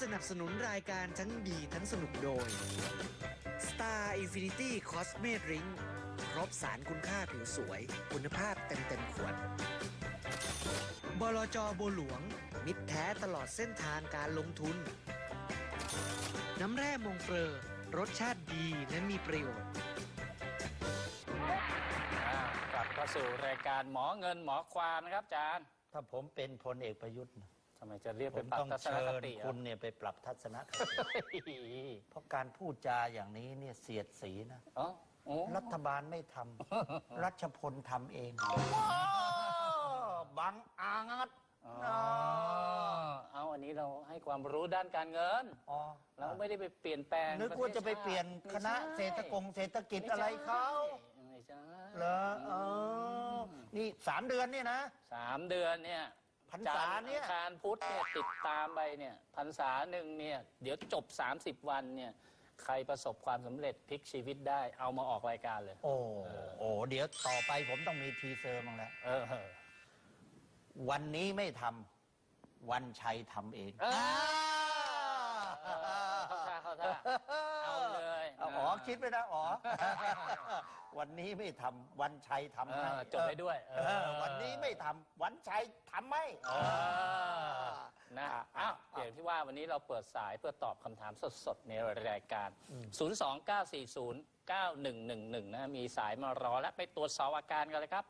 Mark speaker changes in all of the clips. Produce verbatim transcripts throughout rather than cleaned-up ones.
Speaker 1: นับสนุนรายการทั้งดีทั้งสนุกโดย Star Infinity Cosme Drink ครบสารคุณค่าผิวสวยคุณภาพเต็มเต็มขวดบลจ.บัวหลวงมิตรแท้ตลอดเส้นทางการลงทุนน้ำแร่มงเฟอร์รสชาติดีและมีประโยชน์
Speaker 2: กลับเข้าสู่รายการหมอเงินหมอความนะครับอาจารย์
Speaker 3: ถ้าผมเป็นพลเอกประยุทธ์
Speaker 2: ทำไมจะเรียกไปปรับทัศนคติ
Speaker 3: คุณเนี่ยไปปรับทัศนคติเพราะการพูดจาอย่างนี้เนี่ยเสียดสีนะรัฐบาลไม่ทำรัชพลทำเองบังอาจ
Speaker 2: เอาอันนี้เราให้ความรู้ด้านการเงินเราไม่ได้ไปเปลี่ยนแปลง
Speaker 3: นึกว่าจะไปเปลี่ยนคณะเศรษฐกงเศรษฐกิจอะไรเขาเหรอเออนี่สามเดือนเนี่ยนะ
Speaker 2: สามเดือนเนี่ย
Speaker 3: พรรษาเนี่ย
Speaker 2: การพุทธเนี่ยติดตามไปเนี่ยพรรษาหนึ่งเนี่ยเดี๋ยวจบสามสิบวันเนี่ยใครประสบความสำเร็จพลิกชีวิตได้เอามาออกรายการเลย
Speaker 3: โอ้โอ้เดี๋ยวต่อไปผมต้องมีทีเซอร์มั้งแล้วเออวันนี้ไม่ทำวันชัยทำเอง
Speaker 2: เข้าท่าเอาเลย
Speaker 3: อ๋อคิดไปนะอ๋อวันนี้ไม่ทำวันชัยทำให้
Speaker 2: จบไปด้วย
Speaker 3: วันนี้ไม่ทำวันชัยทำให้
Speaker 2: นะอ้าวอย่างที่ว่าวันนี้เราเปิดสายเพื่อตอบคำถามสดๆในรายการศูนย์ สอง เก้า สี่ ศูนย์ เก้า หนึ่ง หนึ่ง หนึ่งนะมีสายมารอและไปตรวจสอบอาการกันเลยครับ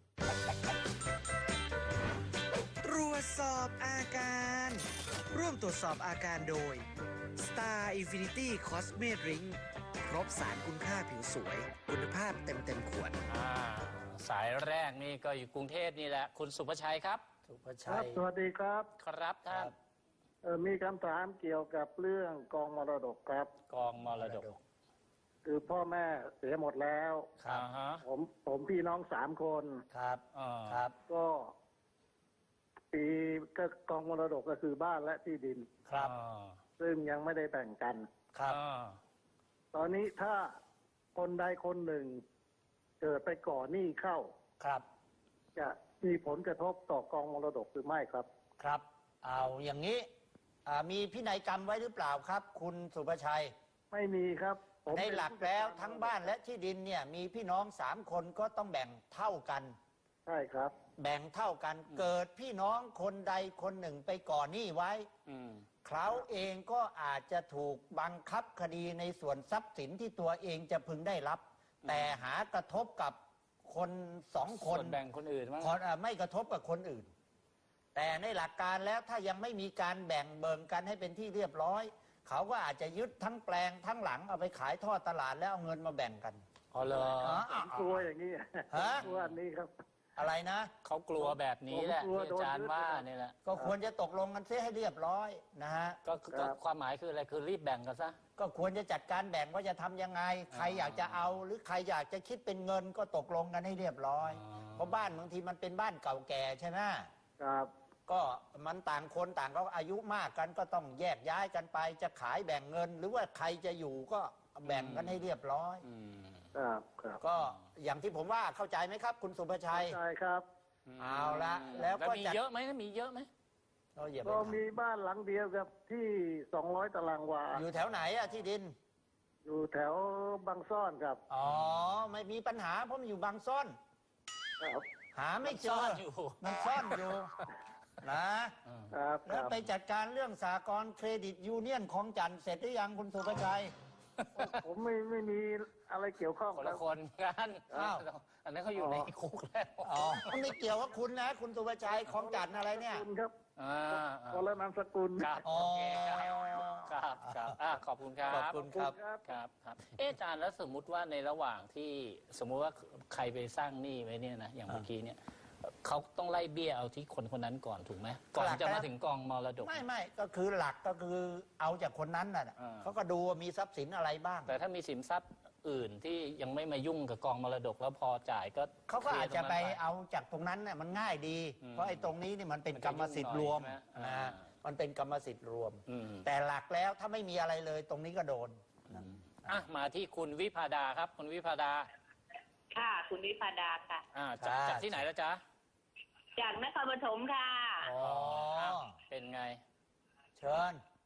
Speaker 1: ตรวจสอบอาการร่วมตรวจสอบอาการโดย Star Infinity Cosme Drink ครบสารคุณค่าผิวสวยคุณภาพเต็มเต็มขวด
Speaker 2: สายแรกนี่ก็อยู่กรุงเทพนี่แหละคุณสุภชัยครับ
Speaker 3: สุภชัย
Speaker 4: สวัสดีครับ
Speaker 2: ครับท่าน
Speaker 4: มีคำถามเกี่ยวกับเรื่องกองมรดกครับ
Speaker 2: กองมรดก
Speaker 4: คือพ่อแม่เสียหมดแล้ว
Speaker 2: ครับ
Speaker 4: ผมผมพี่น้องสามคน
Speaker 3: ครับครับ
Speaker 4: ก็ปีก็กองมรดกก็คือบ้านและที่ดิน
Speaker 3: ครับ
Speaker 4: ซึ่งยังไม่ได้แบ่งกัน
Speaker 3: ครับ
Speaker 4: ตอนนี้ถ้าคนใดคนหนึ่งเกิดไปก่อหนี้เข้า
Speaker 3: ครับ
Speaker 4: จะมีผลกระทบต่อกองมรดกหรือไม่ครับ
Speaker 3: ครับเอาอย่างนี้มีพินัยกรรมไว้หรือเปล่าครับคุณสุภชัย
Speaker 4: ไม่มีครับ
Speaker 3: ในหลักแล้วทั้งบ้านและที่ดินเนี่ยมีพี่น้องสามคนก็ต้องแบ่งเท่ากัน
Speaker 4: ใช่ครับ
Speaker 3: แบ่งเท่ากันเกิดพี่น้องคนใดคนหนึ่งไปก่อหนี้ไว้เขาเองก็อาจจะถูกบังคับคดีในส่วนทรัพย์สินที่ตัวเองจะพึงได้รับแต่หากระทบกับคนสองคน
Speaker 2: แบ่งคนอื่น
Speaker 3: ไม่กระทบกับคนอื่นแต่ในหลักการแล้วถ้ายังไม่มีการแบ่งเบิงกันให้เป็นที่เรียบร้อยเขาก็อาจจะยึดทั้งแปลงทั้งหลังเอาไปขายทอดตลาดแล้วเอาเงินมาแบ่งกัน
Speaker 2: อ๋อเหร
Speaker 4: อกลัวอย่างนี้กลัวอันนี้ครับ
Speaker 3: อะไรนะ
Speaker 2: เขากลัวแบบนี้แหละที่อาจารย์ว่านี่แหละ
Speaker 3: ก็ควรจะตกลงกันเสียให้เรียบร้อยนะฮะ
Speaker 2: ก็ความหมายคืออะไรคือรีบแบ่งกันซะ
Speaker 3: ก็ควรจะจัดการแบ่งว่าจะทำยังไงใครอยากจะเอาหรือใครอยากจะคิดเป็นเงินก็ตกลงกันให้เรียบร้อยเพราะบ้านบางทีมันเป็นบ้านเก่าแก่ใช่ไหม
Speaker 4: ครับ
Speaker 3: ก็มันต่างคนต่างก็อายุมากกันก็ต้องแยกย้ายกันไปจะขายแบ่งเงินหรือว่าใครจะอยู่ก็แบ่งกันให้เรียบร้อย
Speaker 4: ครับครับ
Speaker 3: ก็อย่างที่ผมว่าเข้าใจไหมครับคุณสุภชัย
Speaker 4: ใช่ครับ
Speaker 3: เอาละแล้วก็
Speaker 2: มีเยอะไหมมีเยอะไหม
Speaker 4: ก็มีบ้านหลังเดียวกับที่สองร้อยตารางวา
Speaker 3: อยู่แถวไหนอะที่ดิน
Speaker 4: อยู่แถวบางซ่อนครับ
Speaker 3: อ๋อไม่มีปัญหาเพราะมันอยู่บางซ่อนหาไม่เจอมันซ่อนอยู่นะแล้วไปจัดการเรื่องสหกรณ์เครดิตยูเนียนของจันเสร็จหรือยังคุณสุภชัย
Speaker 4: ผมไม่ไม่มีอะไรเกี่ยวข้อง
Speaker 2: คนละคนกันอ้าวอันนั้นเขาอยู่ในคุกแล้ว
Speaker 3: อ๋อไม่เกี่ยวกับคุณนะคุณสุภชัยของจันอะไรเนี่ย
Speaker 4: คุณครับคนละนามสกุล
Speaker 2: ครับโอเคครับครับขอบคุณครับ
Speaker 3: ขอบคุณครับ
Speaker 2: ครับครับเอ๊ะอาจารย์แล้วสมมุติว่าในระหว่างที่สมมุติว่าใครไปสร้างหนี้ไว้เนี่ยนะอย่างเมื่อกี้เนี่ยเขาต้องไล่เบี้ยเอาที่คนคนนั้นก่อนถูกไหมก่อนจะมาถึงกองมรดก
Speaker 3: ไม่ไม่ก็คือหลักก็คือเอาจากคนนั้นน่ะเขาก็ดูว่ามีทรัพย์สินอะไรบ้าง
Speaker 2: แต่ถ้ามีสินทรัพย์อื่นที่ยังไม่มายุ่งกับกองมรดกแล้วพอจ่ายก็
Speaker 3: เขาก็อาจจะไปเอาจากตรงนั้นน่ะมันง่ายดีเพราะไอ้ตรงนี้นี่มันเป็นกรรมสิทธิ์รวมนะมันเป็นกรรมสิทธิ์รวมแต่หลักแล้วถ้าไม่มีอะไรเลยตรงนี้ก็โดน
Speaker 2: อ่ะมาที่คุณวิภาดาครับคุณวิภาดา
Speaker 5: ค่ะคุณวิภาดาค่ะ
Speaker 2: อ่าจากที่ไหนแล้วจ๊ะ
Speaker 5: จากนครปฐมค่ะ
Speaker 2: อ๋อเป็นไง
Speaker 3: เชิญ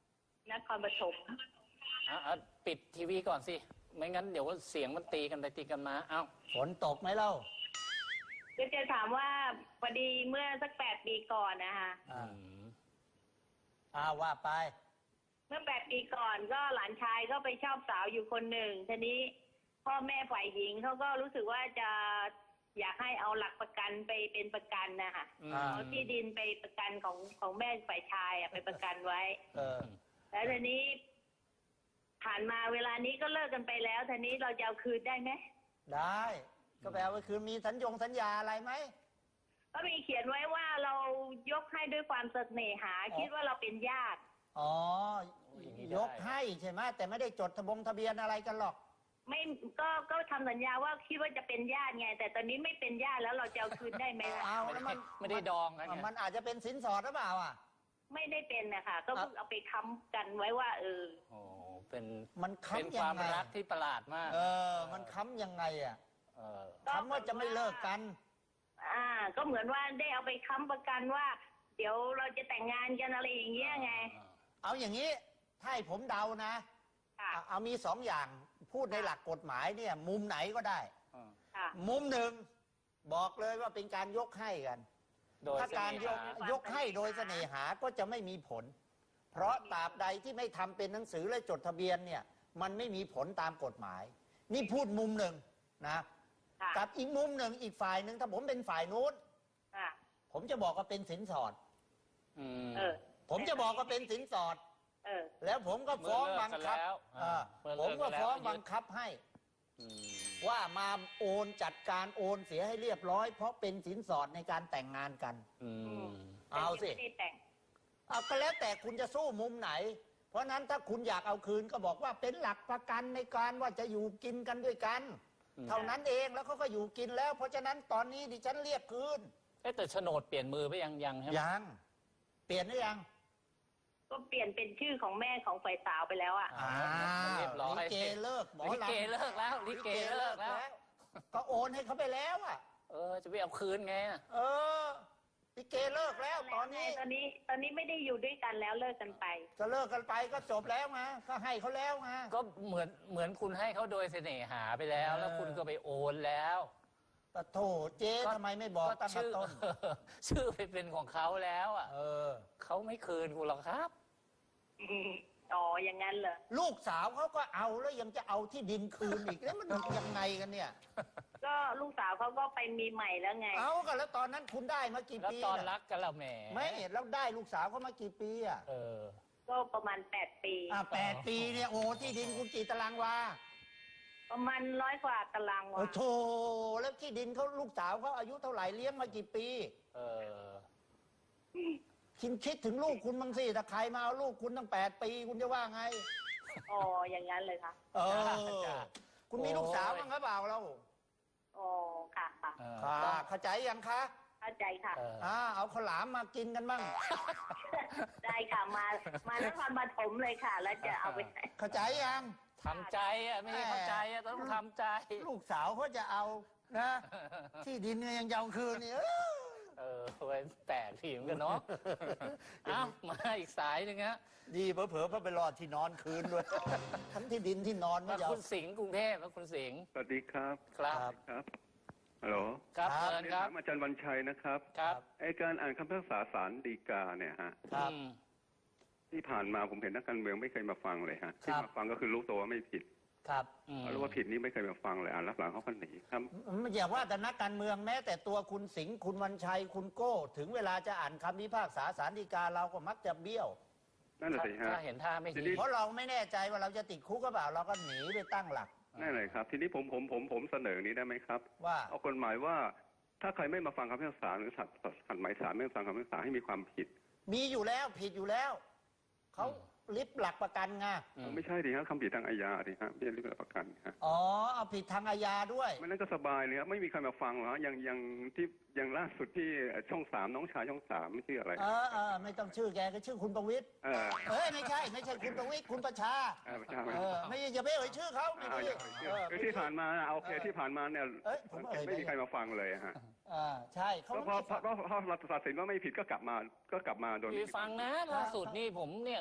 Speaker 5: นครปฐม
Speaker 2: อ่ะอ่ะปิดทีวีก่อนสิ ไม่งั้นเดี๋ยวเสียงมันตีกันไปตีกันมา เอ้า
Speaker 3: ฝนตกไหมเล่า
Speaker 5: ก็จะถามว่าพอดีเมื่อสักแปดปีก่อนนะคะ
Speaker 3: อ่าอ่าว่าไป
Speaker 5: เมื่อแปดปีก่อนก็หลานชายก็ไปชอบสาวอยู่คนหนึ่งทีนี้พ่อแม่ฝ่ายหญิงเขาก็รู้สึกว่าจะอยากให้เอาหลักประกันไปเป็นประกันนะคะ
Speaker 2: อืม
Speaker 5: เอาที่ดินไปประกันของของแม่ฝ่ายชายอะไปประกันไว้
Speaker 3: เออ
Speaker 5: แล้วทีนี้ ผ่านมาเวลานี้ก็เลิกกันไปแล้วทีนี้เราจะเอาคืนได้ไหม
Speaker 3: ได้ ก็แปลว่าคือมีสัญญงสัญญาอะไรไหม
Speaker 5: ก็มีเขียนไว้ว่าเรายกให้ด้วยความเสน่หา คิดว่าเราเป็นญาติ
Speaker 3: อ๋อ
Speaker 2: อย่างนี้ได้
Speaker 3: ยกให้ใช่ไหมแต่ไม่ได้จดทะบงทะเบียนอะไรกันหรอก
Speaker 5: ไม่ก็ก็ทำสัญญาว่าคิดว่าจะเป็นญาติไง แต่ตอนนี้ไม่เป็นญาติแล้วเราจะเอาคืนได้ไหมล่ะ
Speaker 3: เอา
Speaker 2: ไม่
Speaker 3: แล้ว
Speaker 2: ได้
Speaker 3: มัน
Speaker 2: ไม่ได้ดองกันไง
Speaker 3: มันอาจจะเป็นสินสอดหรือเปล่าอ่ะ
Speaker 5: ไม่ได้เป็นนะคะก็เพิ่งเอาไปค้ำกันไว้ว่า เออ
Speaker 2: โอ้เป็น
Speaker 3: มัน
Speaker 2: เป็น
Speaker 3: ค้ำ
Speaker 2: ค
Speaker 3: ยั
Speaker 2: วาม
Speaker 3: งไง
Speaker 2: รักที่ประหลาดมาก
Speaker 3: เออ มันค้ำยังไงอ่ะ
Speaker 2: เออ
Speaker 5: ก็
Speaker 3: ค้ำว่าจะไม่เลิกกัน
Speaker 5: อ่า ก็เหมือนว่าได้เอาไปค้ำประกันว่า เดี๋ยวเราจะแต่งงานกันอะไรอย่างเงี้ยไง
Speaker 3: เอาอย่างนี้ ถ้าให้ผมเดานะ
Speaker 5: ค่ะ
Speaker 3: เอาเอามีสองอย่าง พูดในหลักกฎหมายเนี่ย มุมไหนก็ได้
Speaker 5: ค่ะ
Speaker 3: มุมหนึ่งบอกเลยว่าเป็นการยกให้กัน
Speaker 2: โดย
Speaker 3: ถ้าการยก
Speaker 2: เสน่ห
Speaker 3: ยกให้โดยเสน่หาก็จะไม่มีผล เพราะตราบใดที่ไม่ทำเป็นหนังสือและจดทะเบียนเนี่ย มันไม่มีผลตามกฎหมาย นี่พูดมุมหนึ่งนะ
Speaker 5: ค่ะ
Speaker 3: กับอีกมุมหนึ่งอีกฝ่ายหนึ่งถ้าผมเป็นฝ่ายนู้น
Speaker 5: ค่ะ
Speaker 3: ผมจะบอกว่าเป็นสินสอด
Speaker 2: อืม
Speaker 5: เออ
Speaker 3: ผมจะบอกว่าเป็นสินสอด
Speaker 5: เออ
Speaker 3: แล้วผมก็ฟ้องบังคับ
Speaker 2: เมื่อเลิกกันแล้ว
Speaker 3: เออ
Speaker 2: เมื่อ
Speaker 3: ผ
Speaker 2: เลิ
Speaker 3: ม
Speaker 2: กกั
Speaker 3: ก็
Speaker 2: นแล้ว
Speaker 3: ฟ้อง
Speaker 2: ยึด
Speaker 3: บังคับให้
Speaker 2: อืม
Speaker 3: ว่ามาโอนจัดการโอนเสียให้เรียบร้อย เพราะเป็นสินสอดในการแต่งงานกัน
Speaker 2: อืม
Speaker 3: เอาสิ
Speaker 5: แต่ยังไม่ได้แต่ง
Speaker 3: เอาก็แล้วแต่คุณจะสู้มุมไหน เพราะฉะนั้นถ้าคุณอยากเอาคืนก็บอกว่าเป็นหลักประกันในการว่าจะอยู่กินกันด้วยกัน
Speaker 2: อืม
Speaker 3: เท่านั้นเองแล้วเขาก็อยู่กินแล้ว เพราะฉะนั้นตอนนี้ดิฉันเรียกคืน
Speaker 2: เอ๊ะแต่โฉนดเปลี่ยนมือไปยังยังใช่ไหม
Speaker 3: ยังเปลี่ยนหรือยัง
Speaker 5: ก็เปลี่ยนเป็นชื่อของแม่ของฝ่ายสาวไปแล้วอ่ะ
Speaker 3: อ่า
Speaker 2: เรียบร้อย
Speaker 3: ลิเกเลิกหมอ
Speaker 2: ลิ
Speaker 3: ลำ
Speaker 2: เกเลิกแล้วลิเกเลิกแล้ว
Speaker 3: ก็โอนให้เขาไปแล้วอ่ะ
Speaker 2: เออ จะไปเอาคืนไงอะ
Speaker 3: เออลิเกเลิกแล้วตอนนี้
Speaker 5: ตอนนี้ ตอนนี้ไม่ได้อยู่ด้วยกันแล้วเลิกกันไป
Speaker 3: จะเลิกกันไปก็จบแล้วไงก็ให้เขาแล้วไง
Speaker 2: ก็เหมือนเหมือนคุณให้เขาโดยเสน่หาไปแล้ว แล้วคุณก็ไปโอนแล้ว
Speaker 3: ปะโถเจ๊ทำไมไม่บอกตั้งแต่
Speaker 2: ชื่อ
Speaker 3: ต้น
Speaker 2: ชื่อไปเป็นของเขาแล้วอ่ะ
Speaker 3: เออ
Speaker 2: เขาไม่คืนคุณหรอกครับ
Speaker 5: อืมอ๋อ อย่างนั้นเหรอ
Speaker 3: ลูกสาวเขาก็เอาแล้วยังจะเอาที่ดินคืนอีกแล้วมันยังไงกันเนี่ย
Speaker 5: ก็ลูกสาวเขาก็ไปมีใหม่แล้วไง
Speaker 3: เอากันแล้วตอนนั้นคุณได้มากี่
Speaker 2: แล้ว
Speaker 3: ปี
Speaker 2: ตอน
Speaker 3: น่ะ
Speaker 2: รักกันเราแหม
Speaker 3: ไม่แล้วได้ลูกสาวเขามากี่ปีอ่ะ
Speaker 2: เออ
Speaker 5: ก็ประมาณแปดปี
Speaker 3: อ่ะแปดปีเนี่ยโอ้ที่ดินคุณกี่ตารางวา
Speaker 5: ประมาณร้อยกว่าตาราง
Speaker 3: โอ้
Speaker 5: วา
Speaker 3: โถแล้วที่ดินเขาลูกสาวเขาอายุเท่าไหร่เลี้ยงมากี่ปี
Speaker 2: เออ
Speaker 3: คิดคิดถึงลูกคุณบ้างสิถ้าใครมาเอาลูกคุณตั้งแปดปีคุณจะว่าไง
Speaker 5: อ๋อ อย่างนั้นเลยค่ะ
Speaker 3: เออ
Speaker 2: จ้ะ
Speaker 3: คุณมีลูกสาวบ้างหรือเปล่าเรา
Speaker 5: อ๋อ ค่ะค่ะ
Speaker 2: เออ
Speaker 3: ค่ะเข้าใจยังคะ
Speaker 5: เข้าใจค่ะ
Speaker 2: เออ
Speaker 3: อ่าเอาข้าวหลามมากินกันบ้าง
Speaker 5: ได้ค่ะ มา มานครปฐมเลยค่ะ แล้วจะเอาไปไหน
Speaker 3: เข้าใจยัง
Speaker 2: ทำใจอ่ะไม่ใช่เข้าใจอ่ะต้องทำใจ
Speaker 3: ลูกสาวเขาจะเอานะ ที่ดินเนี่ยยังจะเอาคืนนี่เออ
Speaker 2: เออไว้แตกทีมกันเนาะ เอ้ามาอีกสายหนึ่งฮะ
Speaker 3: ดีเผลอๆเพราะไปรอดที่นอนคืนด้วย ทั้งที่ดินที่นอนไม่
Speaker 2: มา
Speaker 3: ยอ
Speaker 2: คุ
Speaker 3: ม
Speaker 2: ณสิงห์กรุงเทพแล้วคุณสิงห์
Speaker 6: สวัสดีครับ
Speaker 2: ครับ
Speaker 6: ครับฮัลโหล
Speaker 2: ครับ
Speaker 3: ครับ
Speaker 2: เชิญครับ
Speaker 6: ถามอาจารย์วันชัยนะครับ
Speaker 2: ครับ
Speaker 6: ไอการอ่านคำพิพากษาศาลฎีกาเนี่ยฮะ
Speaker 3: ครับ
Speaker 2: อืม
Speaker 6: ที่ผ่านมาผมเห็นนักการเมืองไม่เคยมาฟังเลยฮะ
Speaker 3: ค
Speaker 6: ที่
Speaker 3: รับ
Speaker 6: มาฟังก็คือรู้ตัวว่าไม่ผิด
Speaker 3: ครับ
Speaker 2: อืม
Speaker 6: รู้ว่าผิดนี่ไม่เคยมาฟังเลยอ่านรับหลังเขาก็หนีครับ
Speaker 3: ไม่อย่าว่าแต่นักการเมืองแม้แต่ตัวคุณสิงห์คุณวันชัยคุณโก้ ถึงเวลาจะอ่านคำพิพากษาศาลฎีกาเราก็มักจะเบี้ยว
Speaker 6: นั่นแหละสิฮะ
Speaker 2: ถ้าเห็นท่าไม่
Speaker 6: ที
Speaker 2: ดี
Speaker 6: นี้
Speaker 3: เพราะเราไม่แน่ใจว่าเราจะติดคุกก็เปล่าเราก็หนีไปตั้งหลัก
Speaker 6: นั่นเลยครับ ทีนี้ผมผมผมผมเสนอนี้ได้ไหมครับ
Speaker 3: ว่า
Speaker 6: เอากฎหมายว่า ถ้าใครไม่มาฟังคำพิพากษาหรือขัดขัดหมายศาลไม่มาฟังคำพิพากษาให้มีความผิด
Speaker 3: มีอยู่แล้วผิดอยู่แล้วเขาลิบหลักประกันไง
Speaker 2: อืม
Speaker 6: ไม่ใช่ดิฮะคำผิดทางอาญาดิฮะไม่ใช่เรื่องประกันฮะ
Speaker 3: อ๋อเอาผิดทางอาญาด้วย
Speaker 6: ไม่นั้นก็สบายเลยครับไม่มีใครมาฟังหรอกฮะอย่างอย่างที่อย่างล่าสุดที่ช่องสามน้องชายช่องสามไม่ชื่ออะไร
Speaker 3: เออเออไม่ต้องชื่อแกก็ชื่อคุณประวิตร
Speaker 6: เออ
Speaker 3: เอ้ยไม่ใช่ไม่ใช่คุณประวิตรคุณประชา
Speaker 6: เออประชาชน
Speaker 3: เออไม่อย่าไปเอ่ยชื่อเขาไม่
Speaker 6: อ่า
Speaker 3: ดี
Speaker 6: อย่าง
Speaker 3: เออ
Speaker 6: คือที่ผ่านมาน่ะโอเคที่ผ่านมาเนี่ย
Speaker 3: เอ้ยผมเอ่ย
Speaker 6: ไม่มีใครมาฟังเลยฮะ
Speaker 3: อ่าใช่เขา
Speaker 6: ก็
Speaker 3: ไม่
Speaker 6: พอพอพอพอเราตัดสินว่าไม่ผิดก็กลับมาก็กลับมาโดย
Speaker 2: คื
Speaker 6: ไม่
Speaker 2: อ
Speaker 6: มี
Speaker 2: ฟังนะล่าสุดนี่ผมเนี่ย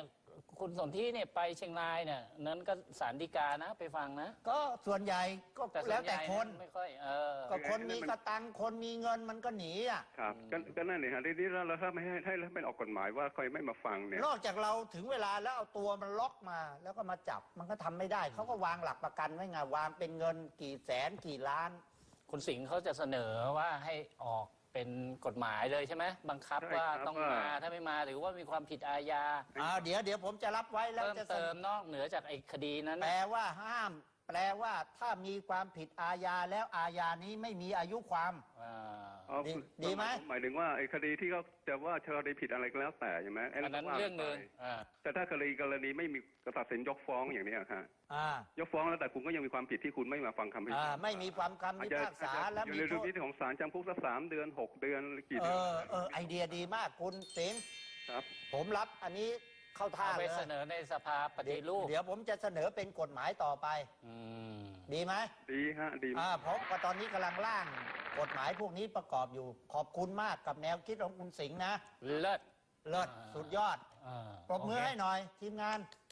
Speaker 2: คุณสนธิเนี่ยไปเชียงรายเนี่ยนั้นก็ศาลฎีกานะไปฟังนะ
Speaker 3: ก็ส่วนใหญ่ก็
Speaker 2: แต่ส่
Speaker 3: แล้ว
Speaker 2: วนให
Speaker 3: แต่
Speaker 2: ญ่
Speaker 3: คน
Speaker 2: ไม่ค่อยเออ
Speaker 3: ก็คนมีสตังค์คนมีเงินมันก็หนีอ่ะ
Speaker 6: ครับก็ก็นั่นนี่ฮะทีนี้เราถ้าไม่ให้ให้ไม่ออกกฎหมายว่าใครไม่มาฟังเนี่ย
Speaker 3: นอกจากเราถึงเวลาแล้วเอาตัวมันล็อกมา แล้วก็มาจับมันก็ทำไม่ได้เขาก็วางหลักประกันไว้ไงวางเป็นเงินกี่แสนกี่ล้าน
Speaker 2: คุณสิงห์เขาจะเสนอว่าให้ออกเป็นกฎหมายเลยใช่ไหมบังคับ
Speaker 6: ใช่
Speaker 2: ว่า
Speaker 6: ครับ
Speaker 2: ต้อง
Speaker 6: ว่า
Speaker 2: มาถ้าไม่มาหรือว่ามีความผิดอาญา
Speaker 3: อ่าเดี๋ยวเดี๋ยวผมจะรับไว้แล้ว
Speaker 2: เพิ่ม
Speaker 3: จะเส
Speaker 2: เติ
Speaker 3: น
Speaker 2: ม
Speaker 3: อน
Speaker 2: อกเหนือจากไอ้คดีนั้น
Speaker 3: แปล
Speaker 2: นะ
Speaker 3: ว่าห้าม แปลว่าถ้ามีความผิดอาญาแล้วอาญานี้ไม่มีอายุความ
Speaker 2: อ่า
Speaker 6: อ๋อ
Speaker 3: ดี
Speaker 6: คือ
Speaker 3: ดีไหม
Speaker 6: หมายถึงว่าไอ้คดีที่เขาจะว่าคดีผิดอะไรก็แล้วแต่ใช่ไหมไ
Speaker 2: อันนั้น
Speaker 6: ว่า
Speaker 2: เรื่องหนึ่ง
Speaker 6: ไป
Speaker 2: อ่า
Speaker 6: แต่ถ้าคดีกรณีไม่มีตัดสินยกฟ้องอย่างเนี้ยฮะ
Speaker 3: อ่าย
Speaker 6: กฟ้องแล้วแต่คุณก็ยังมีความผิดที่คุณไม่มาฟังคำพิพาก
Speaker 3: อ่า
Speaker 6: ษา
Speaker 3: ไม่มีความคำ
Speaker 6: อาจ
Speaker 3: พิ
Speaker 6: จะ
Speaker 3: พากษา
Speaker 6: อาจจะ
Speaker 3: และ
Speaker 6: อยู่
Speaker 3: มี
Speaker 6: ใน
Speaker 3: โท
Speaker 6: ดุล
Speaker 3: ษ
Speaker 6: พินิจของศาลจำคุกสักสามเดือนหกเดือนหรือกี่
Speaker 3: เอ
Speaker 6: เดือน
Speaker 3: อเออไอเดียดีมากคุณสิงห์
Speaker 6: ครับ
Speaker 3: ผมรับอันนี้เข้าท่า
Speaker 2: เอา
Speaker 3: เล
Speaker 2: ไป
Speaker 3: ย
Speaker 2: เสนอในสภาปฏิรูป
Speaker 3: เดี๋ยวผมจะเสนอเป็นกฎหมายต่อไป
Speaker 2: อืม
Speaker 3: ดีไหม
Speaker 6: ดีฮะดี
Speaker 3: อ่าเพราะว่าตอนนี้กำลังร่างกฎหมายพวกนี้ประกอบอยู่ ขอบคุณมากกับแนวคิดของคุณสิงห์นะ
Speaker 2: เลิศ
Speaker 3: เลิศ
Speaker 2: อ่า
Speaker 3: สุดยอด
Speaker 2: อ่า
Speaker 3: ปรบมือ
Speaker 2: โเค
Speaker 3: ให้หน่อย ทีมงาน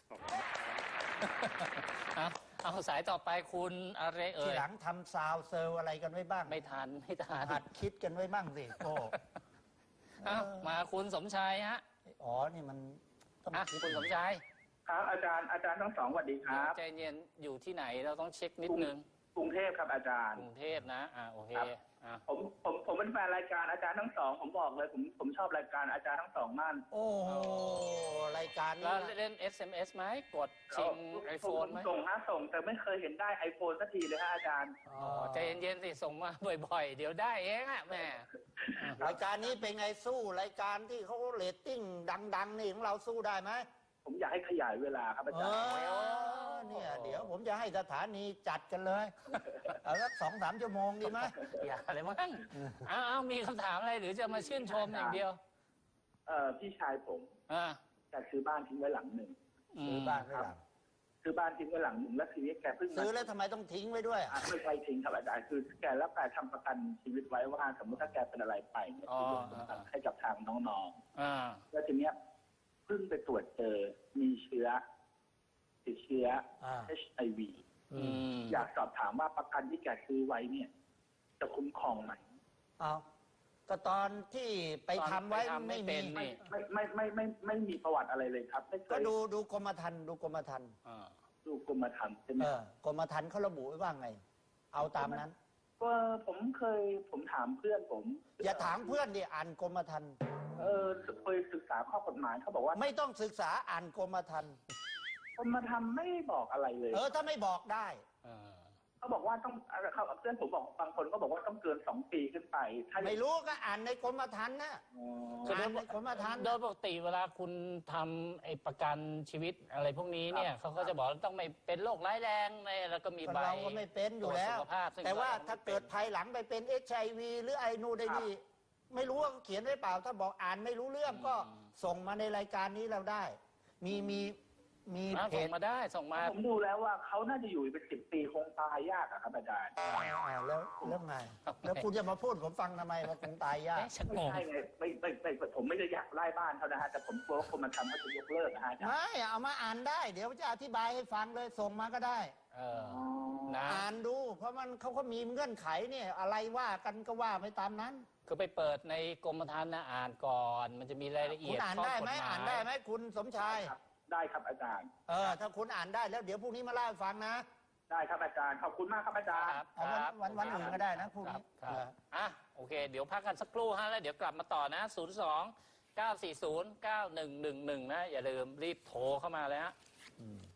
Speaker 2: เอาเอาสายต่อไปคุณอะไรเอ่
Speaker 3: ที
Speaker 2: ย
Speaker 3: หลังทำซาวด์เซอร์อะไรกันไว้บ้าง
Speaker 2: ไม่ทันไม่ทัน
Speaker 3: หัดคิดกันไว้บ้างสิโอ้
Speaker 2: เอามาคุณสมชายฮะ
Speaker 3: อ๋อ นี่มันต้อง
Speaker 2: อ่ะ
Speaker 3: คิด
Speaker 2: คุณสมชาย
Speaker 7: ครับอาจารย์อาจารย์ทั้งสองสวัสดีครับ
Speaker 2: ใจเย็นอยู่ที่ไหนเราต้องเช็คนิดนึง
Speaker 7: กรุงเทพครับอาจารย์
Speaker 2: กรุงเทพนะอ่าโอเค
Speaker 7: ครับ
Speaker 2: อ่ะ
Speaker 7: ผมผมผมเป็นแฟนรายการอาจารย์ทั้งสองผมบอกเลยผมผมชอบรายการอาจารย์ทั้งสองมาก
Speaker 3: โอ้โหรายการ
Speaker 2: แล้
Speaker 3: นี้
Speaker 2: วเล่น เอส เอ็ม เอส ไหมกดชิงไอโฟนไหม
Speaker 7: ส่งฮะส่งแต่ไม่เคยเห็นได้ไอโฟนสักทีเลยฮะอาจารย์
Speaker 3: อ๋อ
Speaker 2: อ๋อใจเย็นๆสิส่งมาบ่อยๆ เดี๋ยวได้เองอ่ะแม่
Speaker 3: รายการนี้เป็นไงสู้รายการที่เขาเรตติ้งดัง ๆ นี่ของเราสู้ได้ไหม
Speaker 7: ผมอยากให้ขยายเวลาครับอา
Speaker 3: เอ
Speaker 7: จารย์
Speaker 3: อเนี่ยเดี๋ยวผมจะให้สถานีจัดกันเลยเอาสักสองสามชั่วโมงดีไหม
Speaker 2: อย่าเลยมั้งเอาเอามีคำถามอะไรหรือจะมาชื่นชมอย่างเดียว
Speaker 7: เอ่อพี่ชายผม
Speaker 2: อ่า
Speaker 7: แกซื้อบ้านทิ้งไว้หลังหนึ่ง
Speaker 3: ซื้อบ้านไว้หลัง
Speaker 7: ซื้อบ้านทิ้งไว้หลังหนึ่งแล้วทีนี้แกเพิ่งมา
Speaker 3: ซื้อแล้วทำไมต้องทิ้งไว้ด้วย
Speaker 7: อ่ะไม่ใช่ทิ้งครับอาจารย์คือแกแล้วแกทำประกันชีวิตไว้ว่าสมมติถ้าแกเป็นอะไรไปเนี่ย
Speaker 2: อ๋อ
Speaker 7: จะยกประกันให้กับทางน้องๆ
Speaker 2: อ่า
Speaker 7: แล้วทีเนี้ยเพิ่งไปตรวจเจอมีเชื้อติดเชื้อ
Speaker 3: อ่า
Speaker 7: เอช ไอ วี
Speaker 2: อืม
Speaker 7: อยากสอบถามว่าประกันที่แกซื้อไว้เนี่ย จะคุ้มครองไหม
Speaker 3: เอาก็ตอนที่ไปทำไว้
Speaker 2: ตอนไปทำไม่
Speaker 3: ไม่
Speaker 2: เป็
Speaker 3: มี
Speaker 2: นนี่
Speaker 7: ไม่ไม่ไม่ไม่ไม่ไม่มีประวัติอะไรเลยครับไม่เค
Speaker 3: ก็
Speaker 7: ย
Speaker 3: ดูดูกรมธรรม์ดูกรมธรรม์
Speaker 2: อ่า
Speaker 7: ดูกรมธรรม์ใช่ไหม
Speaker 3: เออกรมธรรม์เขาระบุไว้ว่าไง เอาตามนั้น
Speaker 7: ก็ผมเคยผมถามเพื่อนผม
Speaker 3: อย่าถามเพื่อนดิอ่านกรมธรรม์
Speaker 7: เออเคยศึกษาข้อกฎหมายเขาบอกว่า
Speaker 3: ไม่ต้องศึกษาอ่านกรมธรรม์
Speaker 7: กรมธรรม์ไม่บอกอะไรเลย
Speaker 3: เออถ้าไม่บอกได้
Speaker 2: อ่า
Speaker 7: เขาบอกว่าต้องเขาเพื่อนผมบอกบางคนก็บอกว่าต้องเกินสองปีขึ้นไปถ้า
Speaker 3: ไม่รู้ก็อ่านในกรมธรรม์นะ
Speaker 7: อ๋อ
Speaker 3: อ่านในกรมธรรม์
Speaker 2: โดยปกติเวลาคุณทำไอ้ประกันชีวิตอะไรพวกนี้เนี่ยเขาก็จะบอกว่าต้องไม่เป็นโรคร้ายแรงในแล้วก็มีใบ
Speaker 3: เราก็ไม่เป็นอยู่แล้ว
Speaker 2: ตรจสุขภาพซึ่ง
Speaker 3: แต่ว่า
Speaker 2: เรไม่
Speaker 3: ถ้าเกิด
Speaker 2: ป็น
Speaker 3: ภายหลังไปเป็นเอชไอวีหรือไอนูนไอนี่ไม่รู้ว่าเขาเขียนไว้เปล่า ถ้าบอกอ่านไม่รู้เรื่องก็ส่งมาในรายการนี้เราได้ มีมีมี
Speaker 2: อ่า
Speaker 3: เพ
Speaker 2: ส่ง
Speaker 3: จ
Speaker 2: มาได้ส่งมา
Speaker 7: ผมดูแล้วว่าเขาน่าจะอยู่เป็นสิบปีคงตายยากอะครับอาจารย์
Speaker 3: อ่าแล้วแล้วไง แล้วคุณจะมาพูดผมฟังทำไมว่าคงตายยาก
Speaker 2: เอ๊ะชัก
Speaker 7: ไม่
Speaker 2: งง
Speaker 7: ใช่ไงไม่ไม่ไม่ผมไม่ได้อยากไล่บ้านเขานะฮะแต่ผมกลัวว่าคนมาทำเขาจะยกเลิกนะฮะอาจารย์
Speaker 3: ไม่เอามาอ่านได้ เดี๋ยวจะอธิบายให้ฟังเลยส่งมาก็ได้
Speaker 2: เออนะ
Speaker 3: อ่านดู เพราะมันเขาก็มีเงื่อนไขเนี่ยอะไรว่ากันก็ว่าไปตามนั้น
Speaker 2: คือไปเปิดในกรมธรรม์นะอ่านก่อน มันจะมีรายละเอี
Speaker 3: คุ
Speaker 2: ย
Speaker 3: ณ
Speaker 2: ด
Speaker 3: อ่าน
Speaker 2: ข้
Speaker 3: ได้ไหม
Speaker 2: กฎย
Speaker 3: อ่านได้ไหมคุณสมชาย
Speaker 7: ครับได้ครับอาจารย์
Speaker 3: เออถ้าคุณอ่านได้แล้วเดี๋ยวพรุ่งนี้มาเล่าให้ฟังนะ
Speaker 7: ได้ครับอาจารย์ขอบคุณมากครับอาจารย์
Speaker 2: ครับ
Speaker 3: เอาวัน
Speaker 2: ครับ
Speaker 3: วันวันอื่นก็ได้นะพรุ่ง
Speaker 2: ครั
Speaker 3: นี้
Speaker 2: บครับ
Speaker 3: เออ
Speaker 2: อ่ะโอเค เดี๋ยวพักกันสักครู่ฮะแล้วเดี๋ยวกลับมาต่อนะ ศูนย์ สอง เก้า สี่ ศูนย์ เก้า หนึ่ง หนึ่ง หนึ่ง นะ อย่าลืมรีบโทรเข้ามาเลยฮะ
Speaker 3: อืม